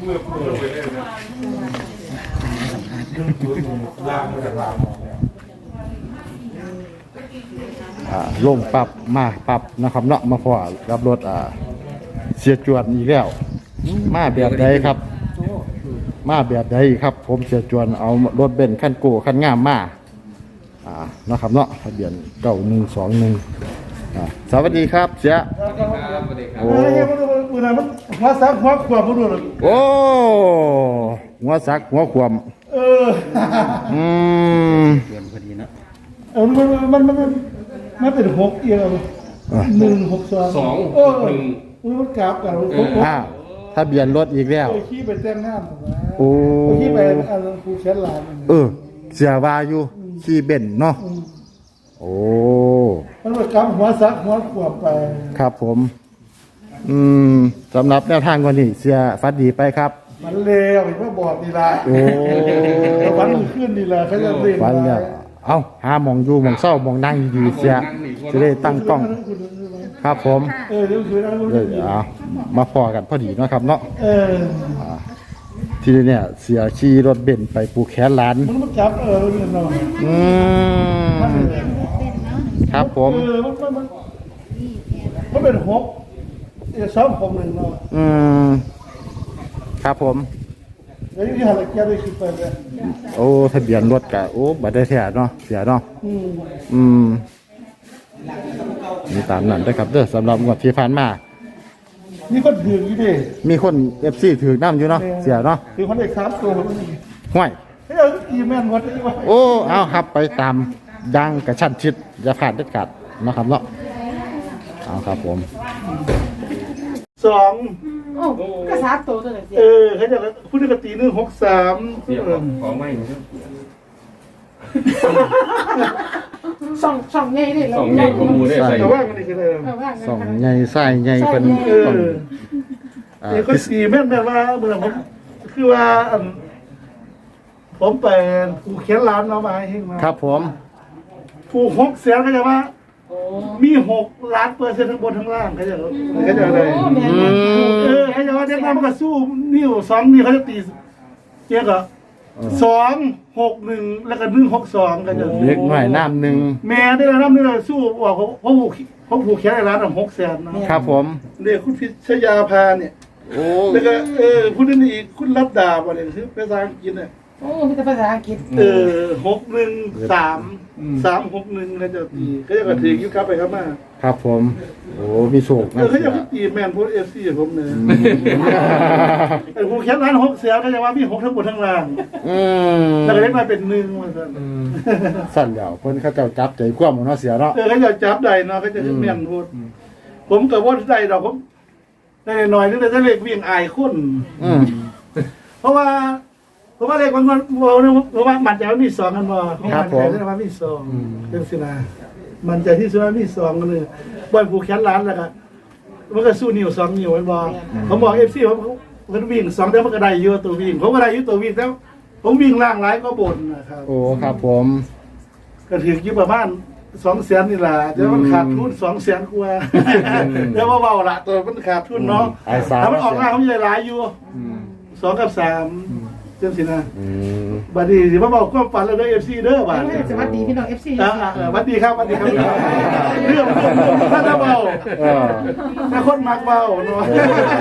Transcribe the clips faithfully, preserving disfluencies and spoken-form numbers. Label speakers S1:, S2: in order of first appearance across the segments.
S1: อ่าลงปรับมาปรับนะครับเนาะมาพอรับรถอ่าเสียจวนอีกแล้วมาแบบใดครับมาแบบใดครับผมเสียจวนเอารถเบนซ์คันโก้คันงามมาอ่านะครับเนาะทะเบียนเก้าหนึ่งสองหนึ่งสวัสดีครับเสียโอ้
S2: หัวซักหัวขวบมาดูเลย
S1: โอ้หัวซักหัวขวม
S2: เออ
S1: อืม
S3: เกินพอดีนะ
S2: เออมันมันมันมันมันเป็นหกเอียวหนึ่งหกสอง
S4: สองหนึ่ง
S2: มันกราบกันหก
S1: อ่าทะเบียนรถอีกแล้ว
S2: ขี่ไปแต่งงาน
S1: โอ้
S2: ขี่ไปอันคูเชนลาน
S1: เออเสียวาอยู่ขี่เบนซ์เนาะโอ้
S2: มันเป็นกราบหัวซักหัวขวบไป
S1: ครับผมอืมสำหรับแนวทางวันนี้เสียฟัดดีไปครับ
S2: มันเลวอีกว่าบอกดีละ
S1: โอ้
S2: วันขึ้นดีละเขาจะเรียน
S1: วันเนี่ยเอ้าหาหมองอยู่หมองเศร้าหมองนั่งดีเสียจะได้ตั้งกล้องครับผม
S2: เออเดี๋ยวคือ
S1: เดี๋ยวมาพอกันพอดีเนาะครับเนาะ
S2: เออ
S1: ทีนี้เนี่ยเสียขี่รถเบนซ์ไปปูแขนร้าน
S2: มันมันจับเออเนาะ
S1: อืมครับผม
S2: เออมันมันมันเป็นหกสองหกหนึ่งเนาะ
S1: อืมครับผม
S2: แล้วที่หาอะไรแก้ได้คิดไปเลย
S1: โอ้ทะเบียนรถกะโอ้บัตรได้แท้เนาะเสียเนาะ
S2: อืม
S1: อืมมีตามนั้นได้ครับเด้อสำหรับงวดที่ผ่านมา
S2: มีคนถืออยู่ดิ
S1: มีคนเอฟซีถือน้ำอยู่เนาะเสียเนาะ
S2: ถือคนเอกสามตัว
S1: ห้วย
S2: เฮ้ยอีแมนวัดได้ว่า
S1: โอ้เอาครับไปตามดังกระชั้นชิดอย่าผ่านเด็ดขาดนะครับเนาะเอาครับผม
S2: สอง
S5: โอ้ก็สามตัวตัวไหนเสีย
S2: เออเขาจะพูดกตีหนึ่งหกสาม
S4: ของไม่
S5: สองสองใหญ่เลย
S4: สองใหญ่ขมูได้ใส่
S2: ว่างกันอีกเลย
S1: สองใหญ่ไส้ใหญ่เป็น
S2: เออเด็กก็สี่แม่นแม่ว่าเมื่อผมคือว่าผมไปผูกแขนร้านเอามาให้มา
S1: ครับผม
S2: ผูกหกแสนก็จะว่ามีหกล้านเปอร์เซ็นต์ทั้งบนทั้งล่างเขาจะเขาจะอะไรเออเขาจะว่าเด็กน้ำมันก็สู้นิ้วสองนิ้วเขาจะตีเจ๊ก็สองหกหนึ่งแล้วก็หนึ่งหกสองก็จะ
S1: เล็กหน่อยน้ำหนึ่ง
S2: แม่ได้แล้วน้ำนี่เลยสู้บอกเขาเขาผูกเขาผูกแขนร้านอ่ะหกแสน
S1: นะครับผม
S2: เด็กคุณพิชยาพาเนี่ย
S1: โอ้
S2: แล้วก็เออคุณนี่อีกคุณรัตดาวันนี้คือภาษาอังกฤษเนี่ย
S5: โอ้มีแต่ภาษาอังกฤษ
S2: เออหกหนึ่งสามสามหกหนึ่งก็จะตีก็จะกระถิ่งยุคครับไปครับมา
S1: ครับผมโอ้มีโศก
S2: นะเขาจะตีแมนพูดเอฟซีผมเนี่ยไอ้ผู้แคปร้านหกเสียก็จะว่ามีหกทั้งหมดทั้งล่างแล้วก็เล็กมาเป็นหนึ่งมาสั่น
S1: สั่นเดี๋ยวคนเขาจะจับใจคว่ำเนาะเสียเนาะ
S2: เออเขาจะจับได้เนาะเขาจะแมนพูดผมกับว่าได้เราผมได้หน่อยนึงแต่ถ้าเล็กวิ่งอายคุ้นเพราะว่าเพราะว่าเล็กบางคนเพราะว่ามันจะมีสองกันบ่เพราะมันใจที่ว่ามีสองเป็นสินะมันใจที่สุดว่ามีสองกันเลยบอลผูกแขนร้านแล้วก็มันก็สู้นิ้วสองนิ้วไว้บ่ผมบอกเอฟซีผมเขาวิ่งสองแต่มันก็ได้เยอะตัววิ่งผมก็ได้เยอะตัววิ่งแล้วผมวิ่งล่างหลายก็บ่นนะครับ
S1: โอ้ครับผม
S2: ก็ถึงยี่ประมาณสองแสนนี่แหละแต่มันขาดทุนสองแสนกว่าเดี๋ยวว่าเบาละตัวมันขาดทุนเนาะถ้ามันออกหน้าเขาจะหลายอยู่สองกับสามเจ้าสินะบัดนี้สิมาบอกความฝันแล้วเด้อเอฟซีเด้อบัด
S5: สวัสดีพี่น้องเอฟซี
S2: อ่าสวัสดีครับสวัสดีครับเรื่องถ้าจะเบาถ้าคนมักเบาเนาะ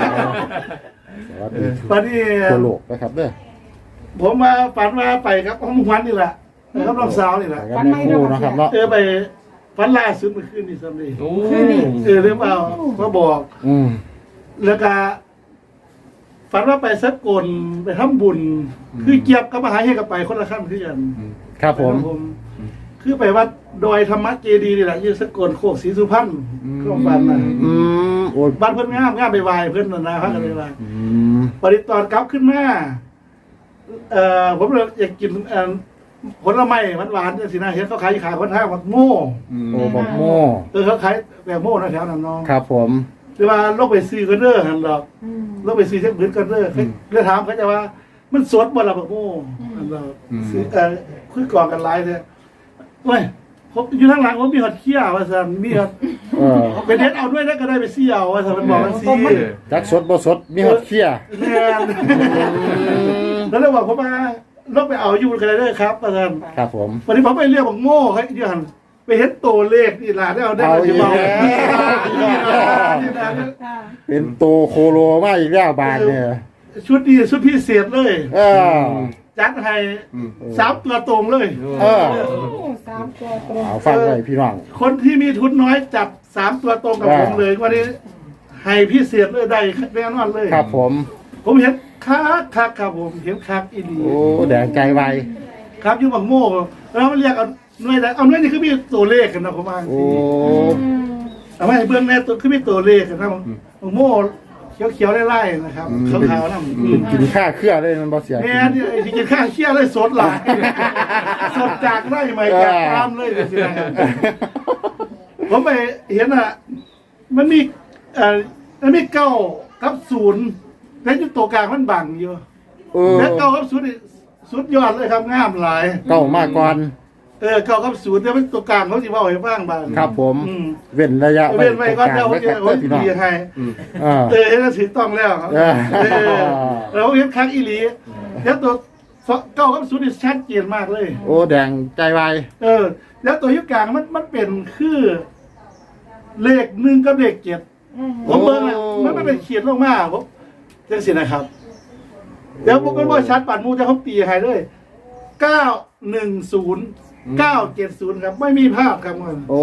S2: บัดนี้
S1: ตัวโลกนะครับเด้อ
S2: ผมมาฝันมาไปครับห้องวันนี่แหละครับน้องสาวนี่แหละ
S1: ฝันไม่รู้นะครับเนาะ
S2: เออไปฝันล่าสุดเมื่อคืนนี่ซ้ำนี่เออเรื่องเบามาบอกแล้วก็ฝันว่าไปสักกลไปทำบุญคือเกียบกับมหาเฮกับไปคนละขั้นคือกัน
S1: ครับผม
S2: คือไปวัดดอยธรรมะเจดีย์นี่แหละยืนสักกลโคกศรีสุพรรณเครื่องฟันนะบ้านเพื่อนงามงามไปวายเพื่อนนะพักกันไปวายปฏิตอนกลับขึ้นมาเอ่อผมเลยอยากกินผลไม้หวานๆสินะเห็นเขาขายขายคนท่าแบบโม่
S1: โอ้แบบโม่
S2: เออเขาขายแบบโม่นะแถวนั้นน้อง
S1: ครับผม
S2: หรือว่าโลกไปซื้อกันเด้อหันดอกโลกไปซื้อเช็คพื้นกันเด้อเลยถามเขาจะว่ามันสดบ่ล่ะแบบโม่หันดอกซื้อเออคุยก่อนกันไลน์เลยเว้ยผมอยู่ทางหลังผมมีหอดเขี้ยวว่าสั่นมีหอด
S1: เออ
S2: เป็นเฮ็ดเอาด้วยแล้วก็ได้ไปเสี่ยวว่าถ้ามันบอกมันซี
S1: จักสดบ่สดมีฮอดเคี้ย
S2: แม่นแล้วเลยบอกผมมาลบไปเอาอยู่กันเลยเด้อครับอาจารย์
S1: ครับผม
S2: วันนี้ผมไปเรียกบอกโง่เขาอยู่หันไปเฮ็ดตัวเลขนี่ล่ะได้เอาได้
S1: เอา
S2: มา
S1: อี
S2: สิ
S1: ก
S2: เบา
S1: แล้ว
S2: นี่นะ
S5: ค่ะ
S1: เป็นโตโคโลมาอีกแล้วบาทเนี่ย
S2: ชุดนี้ชุดพิเศษเลย
S1: เออ
S2: จัดให้สามตัวตรงเลย
S1: เออ
S5: โอ้สามตัวตรง
S1: เอาฟังไว้พี่น้อง
S2: คนที่มีทุนน้อยจับสามตัวตรงกับผมเลยวันนี้ให้พิเศษเลยได้แน่นอนเลย
S1: ครับผม
S2: ผมเห็นคักคักครับผมเห็นคักอีดี
S1: โอ้แดงใจไว
S2: ครับอยู่บังโม่แล้วมันเรียกเอาหน่วยใดเอาหน่วยนี่คือมีตัวเลขกันนะผมว่า
S1: โอ้
S5: อืม
S2: เอาไว้ให้เบื้องแน่ตัวคือมีตัวเลขกันนะบังโม่เขียวๆไล่ๆนะครับขาวๆนั่น
S1: เป็นกินข้าเครื่อเลยมันบ่เสีย
S2: แม่ที่ไอ้ที่กินข้าวเชี่ยเลยสดหลายสดจากไร่ใหม่จากฟาร์มเลยสินะครับผมไปเห็นอ่ะ มันมีเอ่อมันมีเก้ากับศูนย์แล้วอยู่ตัวกลางมันบังอยู่
S1: เออ
S2: แล้วเก้ากับศูนย์นี่สุดยอดเลยครับงามหลาย
S1: เก้ามาก่อน
S2: เออเก้ากับศูนย์แต่มันตัวกลางเขาสิเว่าให้ฟังบ้าง
S1: ครับผม
S2: อืม
S1: เว้นระยะ
S2: เว้นไว้ก่อน
S1: ตร
S2: เดี๋ยว
S1: ง
S2: ผม
S1: กลาง
S2: จะ
S1: ไว้
S2: ผม
S1: ครับพี่น้อง
S2: ดีให้
S1: เออ
S2: เออเห็นแล้วถือต้องแล้วครับ
S1: เออ
S2: เออเราเห็นครั้งอีหลีแล้วตัวเก้ากับศูนย์นี่ชัดเจนมากเลย
S1: โอ้แดงใจไว
S2: เออ แล้วตัวยุคกลางมันมันเป็นคือ เลขหนึ่งกับเลขเจ็ด
S5: อืม
S2: ผมเบิ่งอะมันไม่เป็นเขียนลงมาผมจังสินะครับ เดี๋ยวผมก็บอกชัดปัดมูจะเขาตีให้เลยเก้าหนึ่งศูนย์เก้าเจ็ดศูนย์ครับ ไม่มีภาพครับมัน
S1: โอ้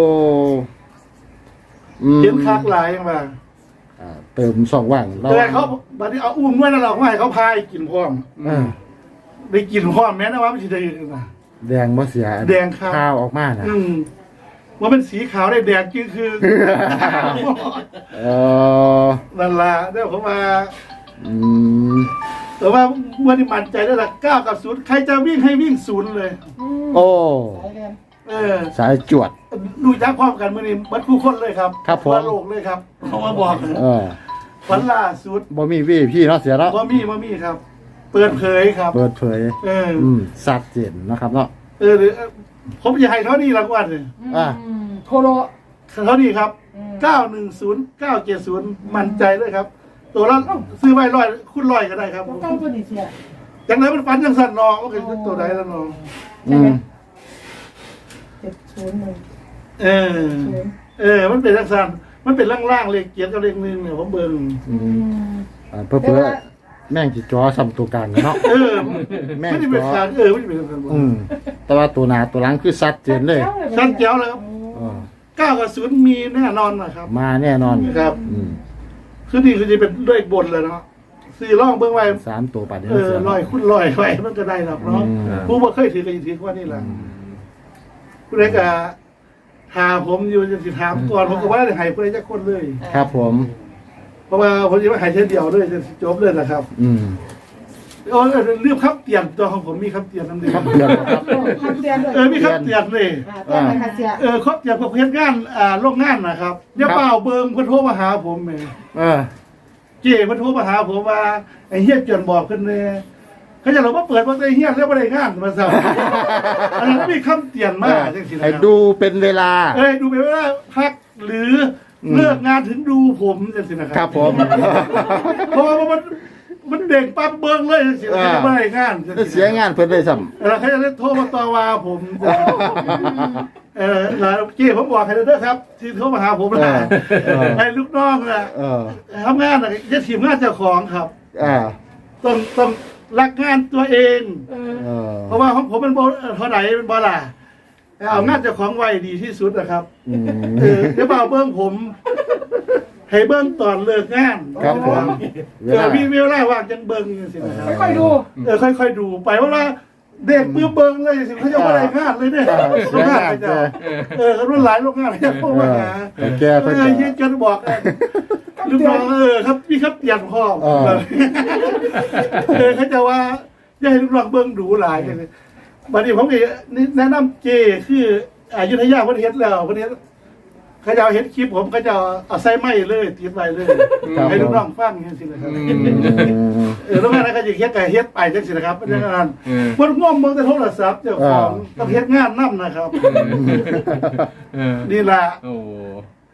S1: อืม
S2: เห็นคักหลายอย่างว่า
S1: อ่าเติมสองว่างเรา
S2: แต่เขาบัดนี้เอาอุ้มไว้นั่นหรอกว่าให้เขาพายกินพร้อม
S1: เออ
S2: ได้กินพร้อมแม้นะว่าไม่ใช่ได้นะ
S1: แดงบ่เสีย
S2: แดงครับ
S1: ข้าวออกมานะ
S2: อืมว่าเป็นสีขาวได้แดงจริงคือ
S1: เออ
S2: นั่นละเดี๋ยวผมมา
S1: อืม
S2: แต่ว่าเมื่อที่มั่นใจได้ละเก้ากับศูนย์ใครจะวิ่งให้วิ่งศูนย์เลย
S5: ม
S1: โอ้
S5: สายเรียน
S2: เออ
S1: สายจวด
S2: ดูจักพร้อมกันเมื่อนี้บัดคู่คนเลยครับ
S1: ครับผม
S2: ทั่วโลกเลยครับเขามาบอก
S1: เออ
S2: วันล่าสุด
S1: บ่มีวี่พี่เนาะเสียเนาะ
S2: ว่ามีว่ามีครับ เปิดเผยครับ
S1: เปิดเผย
S2: เออ
S1: อืมสัดเจนนะครับเนาะ
S2: เออหรือผมจะให้เท่านี้รางวัลเลย
S1: อ่ะ
S5: มโทโร
S2: เท่านี้ครับ
S5: อืม
S2: เก้าหนึ่งศูนย์เก้าเจ็ดศูนย์มั่นใจเลยครับ ตัวละซื้อไว้ร้อยคุณร้อยก็ได้ครับ
S5: ตัวเก้าตัวนี้เสีย
S2: จังไรมันฟันจังสันนองก็คือตัวใดแล้วนอง
S1: อืม
S5: เจ็ดศูนย์หนึ่ง
S2: เออ
S5: ศูนย์
S2: เออ มันเป็นจังสันมันเป็นล่างๆเลขเกียรติกับเลขหนึ่งเนี่ยผมเบิ่ง
S1: อืมอ่าเพื่อเพื่อแม่งจิจอซ้ำตัวกลางเนาะ
S2: เออ
S1: แม่ง
S2: ไม่ได้เป็น
S1: จอ
S2: การเออไม่ได้เป็นการ
S1: อืมแต่ว่าตัวหนาตัวหลังคือสัดเจนเลย
S2: ชั้นเจ้าแล้วครับ
S1: เออ
S2: เก้ากับศูนย์มีแน่นอนนะครับ
S1: มาแน่นอน
S2: ครับ
S1: อืม
S2: คือนี่คือจะเป็นเลขบนเลยเนาะสี่ร่องเบื้องไว้
S1: สามตัวปัดเดีย
S2: เอ
S1: ว
S2: อ
S1: เสีย
S2: ลอยคุณลอยไว้มันก็ได้หรอกเนาะ
S1: อืม
S2: ผู้บ่เคยถือกันถือว่านี่แหละผู้ใดก็ถามผมอยู่จะสิถามก่อนผมก็ว่าได้ให้ผู้ใดจะคนเลย
S1: ครับผม
S2: เพราะว่าผมจะไม่ให้เช่นเดียวเลยจะจบเลยนะครับ
S1: อืม
S2: โอ้ยเรื่องคำเตียนตัวของผมมีคำเตียนนั่นเอง
S1: ครับเดือนครับ
S5: ทำเตียนด้วย
S2: เออมีคำเตียนเลย
S5: อ่าเตียนไหนคะเสีย
S2: เออครบเตียนพวกเฮ็ดงานอ่าโรงงานนะครับเดี๋ยวเปล่าเบิ่งเพิ่นโทรมาหาผมแหม
S1: เออ
S2: เจ้เพิ่นโทรมาหาผมว่าไอ้เฮียเกินบอกเพิ่นแน่เขาจะเราว่าเปิดว่าไอ้เฮียแล้วบ่ได้งานมาซะอันนั้นมีคำเตียนมากจังซี่นะ
S1: ให้
S2: ครับ
S1: ดูเป็นเวลา
S2: เอ้ยดูไปว่าพักหรืออ
S1: ม
S2: เลิกงานถึงดูผมจังซี่นะค
S1: ครั
S2: รั
S1: บบ ผม
S2: เพราะว่ามันมันเด็กปั๊บเบิ่งเลยจังซี่นะบ่ได้งานจังซี่นะ
S1: เสียงานเพิ่นเลยซ้
S2: แล้วเขาจะเล่นโทรมาต่อว่าผม เออแล้วเจ้ผมบอกให้เด้อครับ ที่โทรมาหาผมนะ
S1: เออ
S2: ไอ้ลูกน้องนะ
S1: ำเออ
S2: ทำงานนะจะทีมงานเจ้าของครับ
S1: อ่า
S2: ต้องต้องรักงานตัวเอง
S5: เออ
S1: เออ
S2: เพราะว่าของผมเป็นโบเท่าไหร่เป็นบอล่ะเอางานเจ้าของไว้ดีที่สุดนะครับ
S1: อืม
S2: เออเดี๋ยวเบาเบิ้งผม ให้เบิ้งตอนเลิกงาน
S1: ครับผมเว
S2: เออ
S1: ลา
S2: มีเวลาว่างจังเบิ้งสินะครับ
S5: ค่อยๆดู
S2: เออค่อยๆดูไปเพราะว่าเด็กปื้มเบิ้งเลยสิเขาจะว่าอะไรงานเลยเนี่ย
S1: อ่าเสียงาน
S2: ไป
S1: เจ
S2: จ้ะ
S1: อ
S2: เออเขารุ่นหลายโรงงานเนี่ยพวกมาหา
S1: แต่แก
S2: เอ
S1: เพิ่น
S2: อ
S1: จะ
S2: เฮียกันบอกเออลูกน้องเออครับพี่ครับเปลี่ยนพ่อ
S1: เออ
S2: เออเขาจะว่าอย่าให้ลูกน้องเบิ้งดูหลายเลยบัดนี้ผมก็แนะนำเจคืออายุทยาประเทศแล้วประเทศเขาจะเอาเฮ็ดคลิปผมเขาจะเอาใส่ไม้เลยติดไว้เลย
S1: ครับ
S2: ให้ลูกน้องฟังอย่างนี้สินะครับ
S1: อืม
S2: เออแล้วงานนั้นก็จะเฮ็ดไก่เฮ็ดไปจังสินะครับเป็นอย่างนั้น
S4: เออ
S2: คนง่วงเบิ่งแต่โทรศัพท์เจ้าของ
S1: อ่า
S2: ต้องเฮ็ดงานนํนะครับ
S4: เออ
S2: นี่ล่ะ
S4: โอ้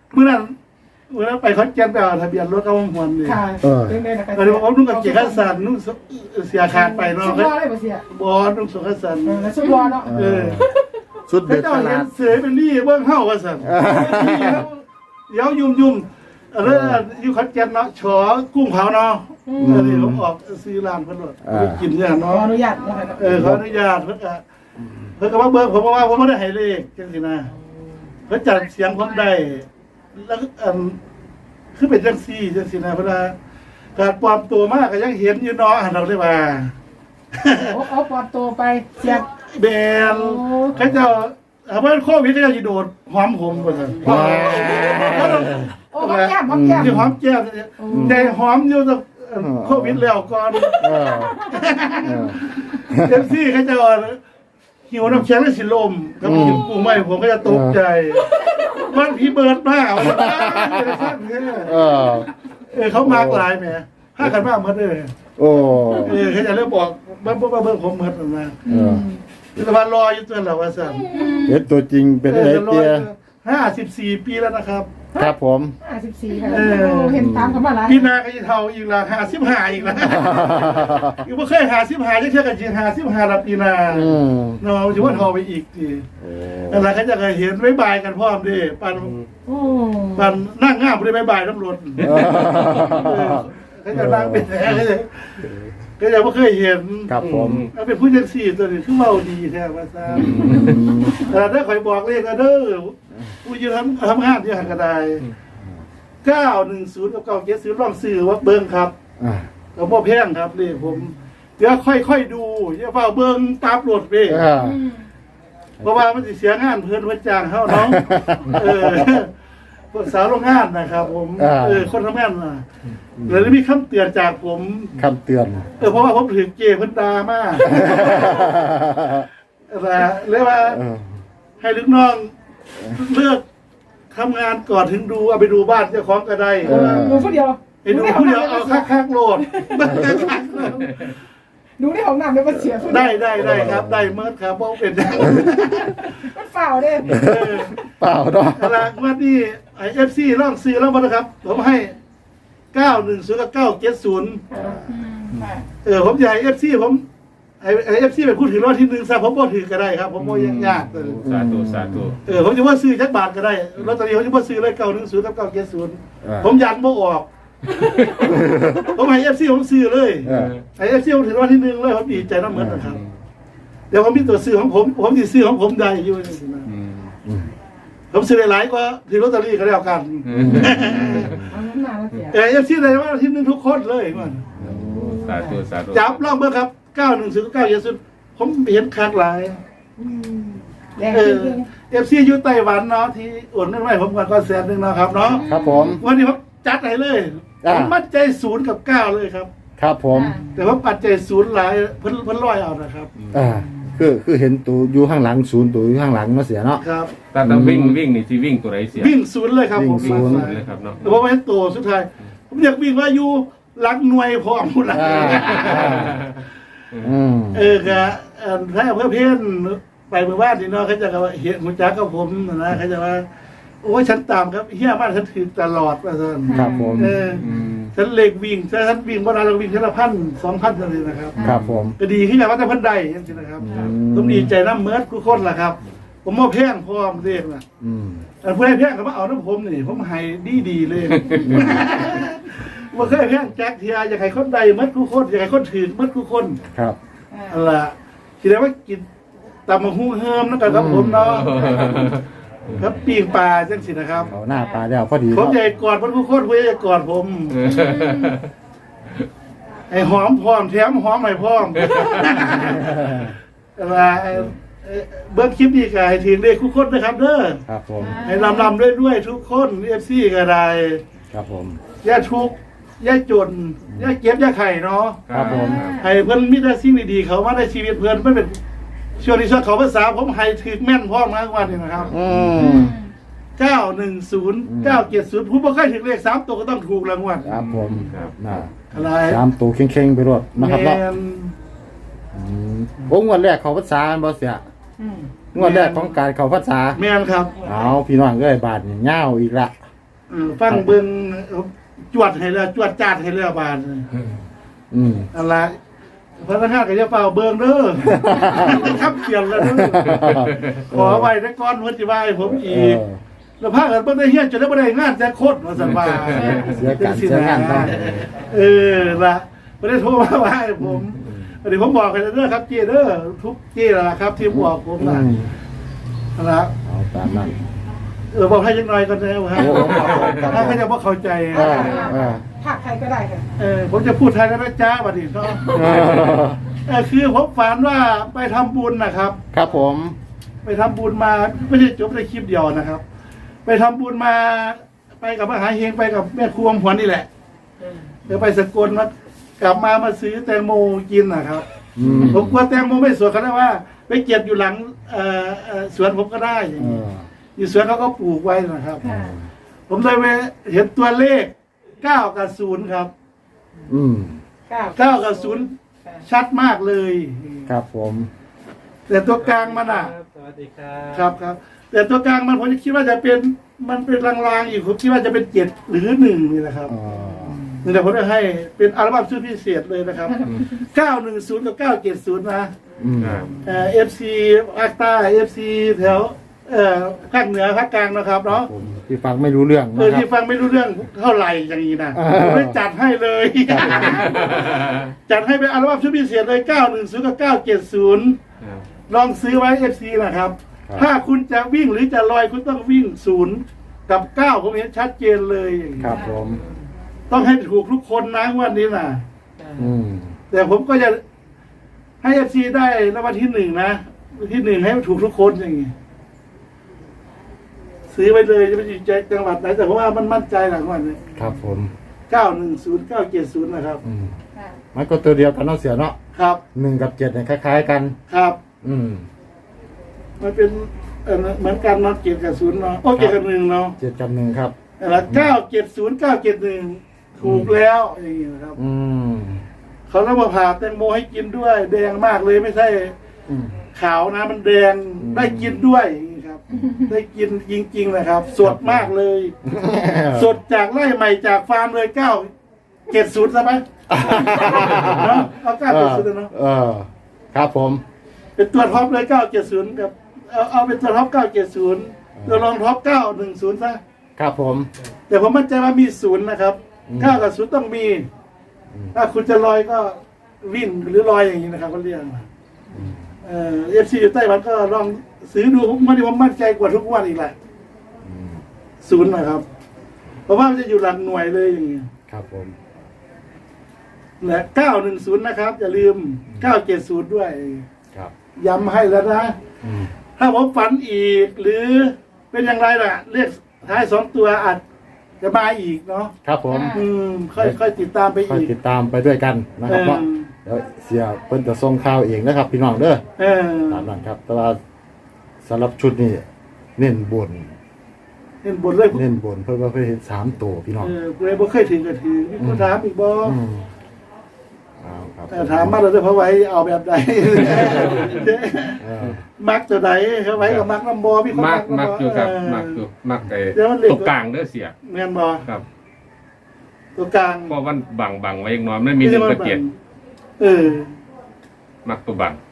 S2: เมื่อนั้นเมื่อนั้นไปขอนแก่นไปเอาทะเบียนรถเข้าหวนนี่
S5: ค่ะเป็นไงนะคะ
S2: ตอนนี้ผมนุ่งกับเกียร์ขันสันนุ่งเสียขาดไป
S5: สุ
S2: เนาะ
S5: ดยอดเลยป่ะเสีย
S2: บอนุ่งสุขันสัน
S5: เออแล้วสุดยอดเนาะ
S2: เออ
S1: สุด
S2: พระ
S1: เด็ด
S2: เจ้า
S1: ข
S2: เห็
S1: นาน ด
S2: เสือเป็นรี่เบื้องเฮ้าว่าสันเดี๋ยวยุ่มยุ่มเรื่องอยู่ขอนแก่นเนาะฉอกุ้งเผาเนาะเออนี่ผมออกซื้อร้านเพิ่นโดดไปกินเนี่ย
S5: ขอ
S2: เนาะ
S5: อนุญาตนะคะ
S2: เออขออนุญาตเพิ่นก็เพิ่นก็ว่าเบิ่งผมว่าผมบ่ได้ให้เลขจังซี่นะเพิ่นจัดเสียงผมได้แล้วก็อันคือเป็นจังซี่จังซี่นะเพิ่นว่าการปลอมตัวมากก็ยังเห็นอยู่เนาะหั่นเราเลยว่า
S5: โอ้เอาปลอมตัวไปเสีย
S2: แบนเขาเจ้าเอาเพิ่นโควิดเขาเจ้าสิโดดหอมผมว่าซั่น
S5: โอ้หอมแก้มหอมแก้ม
S2: ที่หอมแก้มแต่หอมอยู่ตั้งโควิดแล้วก่อน
S1: เออเออ
S2: เอฟซีเขาจะหิวน้ำแข็งและสิลมก็มีหิวปูไม่ผมก็จะตกใจมันพี่เบิร์ดมาก
S1: เออ
S2: เออเขามากหลายแหมห้ากันมากเหมือนเลย
S1: โอ้
S2: เออเขาจะเริ่มบอกเบิ้งเบิ้งเบิ้งผมเหมือนกันนะ
S1: เออ
S2: แต่ว่ารออยู่ตัวเราว่าสั่น
S1: เห็นตัวจริงเป็นไงเตี้ย
S2: ห้าสิบสี่ปีแล้วนะครับ
S1: ครับผม
S5: ห้าสิบสี่ค่ะเห็นตามกันมาหลาย
S2: ปีหนาก็จะเท่าอีกละห้าสิบห้าอีกละอีกว่าเคยหาสิบห้าจะเชื่อกันจริงหาสิบห้าละปีหนา
S1: อืม
S2: เนาะถือว่าเท่าไปอีกที
S1: โอ้
S2: อะไรเขาจะเคยเห็นบ๊ายบายกันพร้อมดิปัน
S5: โอ้
S2: ปันนั่งง่ามไปบ๊ายบายตำรวจเขาจะนั่งเป็นแท้เขาจะเขาจะไม่เคยเห็น
S1: ครับผม
S2: เอาเป็นผู้ยังสี่ตัวนี้คือเมาดีแท้ว่าซ่าแต่ถ้าคอยบอกเลขก็เด้อผู้ยืนทำทำงานที่หันกระไดเก้าหนึ่งศูนย์กับเก้าเจ็ดศูนย์ลองซื้อว่าเบิ้งครับ
S1: อ่า
S2: กับพ่อแพงครับเลขผมเดี๋ยวค่อยๆดูอย่าเฝ้าเบิ้งตามรถเว้ย
S1: เออ
S2: เพราะว่ามันสิเสียงานเพื่อนเพื่อนจ้างเขาเนาะ เออพวกสาวโรงงานนะครับ ผม
S1: อ่า
S2: เออคนทำงานน่ะเลยมีคำเตือนจากผม
S1: คำเตือน
S2: เออเพราะว่าผมถือเกย์เพิ่นดามากนะเรียกว่า
S1: เออ
S2: ให้ลูกน้องเลือกทำงานก่อนถึงดูเอาไปดูบ้านเจ้าของก็ได้
S1: เออ
S5: ดูผู้เดียว
S2: ไปดูผู้เดียวเอาคักๆโหลด
S5: ดูในห้องน้ำเลยว่าเสีย
S2: ได้ได้ได้ครับ ได้เมื่อครับเพราะเป็น
S5: มันฝ่าวเด้
S2: เออ
S1: เปล่าดอก
S2: เวลาวันนี้ไอเอฟซีล่องซื้อแล้วมานะครับ ผมให้เก้าหนึ่งศูนย์กับเก้าเจ็ดศูนย์เออผมใหญ่เอฟซีผมไอเอฟซีเป็นผู้ถือรอดที่หนึ่งซะผมบ่ถือก็ได้ครับ ผมบ่ยังยากเลย
S4: สาธุสาธุ
S2: เออผมจะว่าซื้อจักบาทก็ได้ลอตเตอรี่ผมจะว่าซื้อเลยเก้าหนึ่งศูนย์กับเก้าเจ็ดศูนย์ผมยันบ่ออก ผมให้เอฟซีผมซื้อเลย
S1: เออ
S2: ไอเอฟซีผมถือรอดที่หนึ่งเลยผมดีใจน้ำเหมือนนะครับ เดี๋ยวผมมีตัวซื้อของผมผมสิซื้อของผมได้อยู่นี่นะ
S4: อืม
S1: อืม
S2: ผมซื้อหลายๆก็ถือลอตเตอรี่ก็แล้วกัน
S5: เอาน้ำมาแล้วเสีย
S2: เออเอฟซีเลยว่าที่หนึ่งทุกคนเลยมัน
S4: สาธุสาธุ
S2: จับลองเบอร์ครับเก้าหนึ่งศูนย์เก้าเจ็ดศูนย์ผมเห็นคักหลาย
S5: แรง
S2: เอ
S5: จ
S2: อ
S5: ริง
S2: เอฟซีอยู่ไต้หวันเนาะที่โอนเงินไว้ผมก่อนก็แสนหนึ่งเนาะครับเนาะ
S1: ครับผม
S2: วันนี้ผมจัดให้เลย
S1: อ่า
S2: ผมมั่นใจศูนย์กับเก้าเลยครับ
S1: ครับผม
S2: แต่ว่าปัจจัยศูนย์หลายเพิ่นเพิ่นร้อยเอานะครับ
S1: อ่าคือคือเห็นตัวอยู่ข้างหลังศูนย์ตัวอยู่ข้างหลังเนาะเสียเนาะ
S2: ครับ
S4: ถ้าถ้าวิ่งวิ่งนี่ที่วิ่งตัวไหนเสีย
S2: วิ่งศูนย์เลยครับผม
S1: วิ่งศูนย์
S4: เลยครับเนาะ
S2: แต่ว่าไม่โตสุดท้ายผมอยากวิ่งว่าอยู่หลักหน่วยพร้อมพุ่นละ
S1: อ่าอ่าอืม
S2: เออกะเอ่อถ้าเพื่อเพื่อนไปเมื่อวานนี่เนาะเขาจะว่าเห็นหัวจักกับผมนะเขาจะว่าโอ้ยฉันตามครับเฮียมากฉันถือตลอดว่าซั่น
S1: ครับผม
S2: เออ
S4: อืม
S2: ฉันเล็กวิ่งถ้าฉันวิ่งบ่ได้เราวิ่งแค่ละพันสองพันเท่านั้นนะครับ
S1: ครับผม
S2: ก็ดีขึ้นกันว่าแต่เพันใดจังซี่นะครับ
S1: อืม
S2: ผมดีใจน้ำเมิดทุกคนล่ะครับ ผมมาแพงพร้อมเรียกน่ะ
S1: อืม
S2: อันผู้ใดแพงก็มาเอาน้ำผมนี่ผมให้ดีๆเลยบ่เคยแพงแจ็คเทียอยากให้คนใดเมิดทุกคนอยากให้คนถือเมิดทุกคน
S1: ครับ
S2: อันล่ะคิดได้ว่ากินตำมะฮุ่งเฮิมนั่นก็ครับผมเนาะครับปีงปลาจังสินะครับ
S1: เอาหน้าตาแล้วพอดี
S2: ผม
S1: เนาะ
S2: ใหญ่กอดมันผู้คนผู้ใหญ่กอดผม ไอ้หอมพร้อมแถมหอมใหม่พร้อม อะไรไอ้ไอ้เบิ้งคลิปนี้ก็ให้ถึงเลขทุกคนนะครับเด้อ
S1: ครับผม
S2: ให้ลำลำด้วยด้วยทุกคนเอฟซีก็ได้
S1: ครับผม
S2: อย่าทุกข์อย่าจนอย่าเก็บอย่าไข่เนาะ
S1: ครับผม
S2: ให้เพิ่นมีแต่สิ่งดีๆเขามาในชีวิตเพิ่นไม่เป็นช่วงนี้ช่วงเขาภาษาผมให้ถึกแม่นพร้อมนะวันนี้นะครับ
S1: อืม
S2: เก้าหนึ่งศูนย์เก้าเจ็ดศูนย์ผมบ่เคยถึงเลขสามตัวก็ต้องถูกรางวัล
S1: ครับผมน่ะ
S2: อะไร
S1: สามตัวเข่งๆไปรวดนะครับ
S2: แม
S1: เนาะ
S2: น
S1: อืมโอ้งวดแรกเขาภาษาบ่เสียงวดแรกของการเขาภาษา
S2: แมนครับ
S1: เอาพี่น้องเอ้ยบาทนี่เงาวอีกละ
S2: เออฟังเบิ่งจวดให้แล้วจวดจาดให้แล้วบาด
S1: อืม
S2: อะไรพนักงานก็จะเป่าเบิ่งเด้อครับเขียนแล้วเด้อขอไว้ในก้อนเพิ่นสิว่าให้ผมอีก แล้วพากันบ่ได้เฮียนจะได้บ่ได้งานแต่โคตรว่าซั่นว่า
S1: เสียการเสียงานต้อง
S2: เออล่ะบ่ได้โทรมาว่าให้ผมอันนี้ผมบอกให้เด้อครับเจเด้อทุกเจล่ะครับ ที่บอกผม
S1: อื
S2: น่ะ
S1: ม
S2: นะครับ
S1: เอาตามนั้น
S2: เออบอกให้จักหน่อยก่อนนะฮะ
S1: โอ้ครับผมครับผม
S2: ถ้าเขาจะบ่เข้าใจ
S1: เออเออ
S5: ผักใครก็ได้ค่ะ
S2: เออผมจะพูดไทยแล้วนะจ๊ะบัดนี้เนาะ
S1: เออ
S2: เออคือผมฝันว่าไปทำบุญนะครับ
S1: ครับผม
S2: ไปทำบุญมาไม่ใช่จบในคลิปเดียวนะครับ ไปทำบุญมาไปกับมหาเฮงไปกับแม่ครัวหวนนี่แหละเดี๋ยวไปสกลมากลับมามาซื้อแตงโมกินนะครับ
S1: อืม
S2: ผมกลัวแตงโมไม่สวยเขาได้ว่า ไปเก็บอยู่หลังเอ่อเอ่อสวนผมก็ได้อย่าง
S1: เอ
S2: นี้
S1: อ
S2: อยู่สวนเขาก็ปลูกไว้นะครับ
S5: ค่ะ
S2: ผมเลยไปเห็นตัวเลขเก้ากับศูนย์ครับ
S1: อืม
S5: เก้า
S2: เก้ากับศูนย์ชัดมากเลย
S1: ครับผม
S2: แต่ตัวกลางมันอ่ะ
S3: สวัสดีครับ
S2: ครับครับ แต่ตัวกลางมันผมจะคิดว่าจะเป็นมันเป็นลางๆอยู่ผมคิดว่าจะเป็นเจ็ดหรือหนึ่งนี่แหละครับ
S1: อ๋อ
S2: นี่แหละผมจะให้เป็นอัลบั้มชุดพิเศษเลยนะครับเก้าหนึ่งศูนย์กับเก้าเจ็ดศูนย์นะ
S1: อืม
S4: อ่า
S2: เอ่อฟซีภาคใต้เอฟซีแถวเอ่อภาคเหนือภาคกลางนะครับเนาะ
S1: ผมที่ฟังไม่รู้เรื่อง
S2: เออ
S1: นะครั
S2: ที่
S1: บ
S2: ฟังไม่รู้เรื่องเท่าไหร่อย่างนี้นะ
S1: เออ
S2: ผมได้จัดให้เลย
S1: ครับผม
S2: จัดให้เป็นอัลบั้มชุดพิเศษเลยเก้าหนึ่งศูนย์กับเก้าเจ็ดศูนย์ลองซื้อไว้เอฟซีนะครับ
S1: ครับ
S2: ถ้าคุณจะวิ่งหรือจะลอยคุณต้องวิ่งศูนย์กับเก้าผมเห็นชัดเจนเลยอย่างนี้
S1: ครับผม
S2: ต้องให้ถูกทุกคนนะงวันนี้นะ
S1: อืม
S2: แต่ผมก็จะให้เอฟซีได้รางวัลที่หนึ่งนะที่หนึ่งให้ถูกทุกคนอย่างนี้ซื้อไปเลยจะไปอยู่ใจจังหวัดไหนแต่เพราะว่ามันมั่นใจหลังวันนี้
S1: ครับผม
S2: เก้าหนึ่งศูนย์เก้าเจ็ดศูนย์นะครับ
S1: อืม
S5: ค่ะ
S1: มันก็ตัวเดียวกันเนาะเสียเนาะ
S2: ครับ
S1: หนึ่งกับเจ็ดเนี่ยคล้าย ๆ กัน
S2: ครับ
S1: อืม
S2: มันเป็นเอ่อเหมือนกันเนาะเจ็ดกับศูนย์เนาะโอ้เจ็ดกับหนึ่งเนาะ
S1: เจ็ดกับหนึ่งครับ
S2: แล้วเก้าเจ็ดศูนย์เก้าเจ็ดหนึ่งถูกแล้วอย่างนี้นะครับ
S1: อืม
S2: เขาต้องมาผ่าแตงโมให้กินด้วย แดงมากเลยไม่ใช่
S1: อืม
S2: ขาวนะมันแดง
S1: อืม
S2: ได้กินด้วยอย่างนี้ครับ ได้กินจริงๆนะครับ สดมากเลย สดจากไร่ใหม่จากฟาร์มเลยเก้าเจ็ดศูนย์ใช่ไหมเนาะเอาเก้าเจ็ดศูนย์เนาะ
S1: เออ ครับผม
S2: เป็นตัวท็อปเลยเก้าเจ็ดศูนย์กับเอาเอาเป็นตัวท็อปเก้าเจ็ดศูนย์ตัวรองท็อปเก้าหนึ่งศูนย์ซะ
S1: ครับผม
S2: แต่ผมมั่นใจว่ามีศูนย์นะครับ
S1: อืม
S2: เก้ากับศูนย์ต้องมี
S1: อืม
S2: ถ้าคุณจะลอยก็วิ่งหรือลอยอย่างนี้นะครับเขาเรียกเอ่อฟซีอยู่ไต้หวันก็ลองซื้อดูผมมันผมมั่นใจกว่าทุกวันอีกแหละ
S1: อืม
S2: ศูนย์นะครับ เพราะว่ามันจะอยู่หลักหน่วยเลยอย่างนี้
S1: ครับผม
S2: และเก้าหนึ่งศูนย์นะครับอย่าลืมเก้าเจ็ดศูนย์ด้วย
S1: ครับ
S2: ย้ำให้แล้วนะ
S1: อืม
S2: ถ้าผมฝันอีก หรือเป็นอย่างไรล่ะเรียกท้ายสองตัวอาจจะมาอีกเนาะ
S1: ครับผม
S2: อืมค่อยค่อยติดตามไป
S1: ค่อย
S2: อีก
S1: ติดตามไปด้วยกันนะครับ
S2: เออ
S1: เนาะเดี๋ยวเสียเพิ่นจะส่งข่าวเองนะครับ พี่น้องเด้อ
S2: เออ
S1: ตามนั้นครับ แต่ว่าสำหรับชุดนี้เน้นบน
S2: เห็นบทเลย
S1: เน้นบนเพิ่นว่าเพิ่นเห็นสามตัวพี่น้อง
S2: เออเลยบ่เคยถึงก็ถือมีคนถามอีกบ่
S1: อืมเอาครับ
S2: แต่ถามมาเลยเพราะไว้เอาแบบใด
S1: เออ
S2: มักตัวใดเขาไว้กับมักน้ำบ่มีคน
S4: มัก
S2: น้ำ
S4: มักอยู่ครับ
S2: เ
S4: มักอยู่มักไอ้
S2: เดี๋ยวมันเหล็ก
S4: ตัวกลางเด้อเสีย
S2: แม่นบ่
S4: ครับ
S2: ตัวกลาง
S4: เพราะวันบังบังไว้อีกหน้อยไม่มีหนึ่งกับเจ็ด
S2: เออ
S4: มักตัวบัง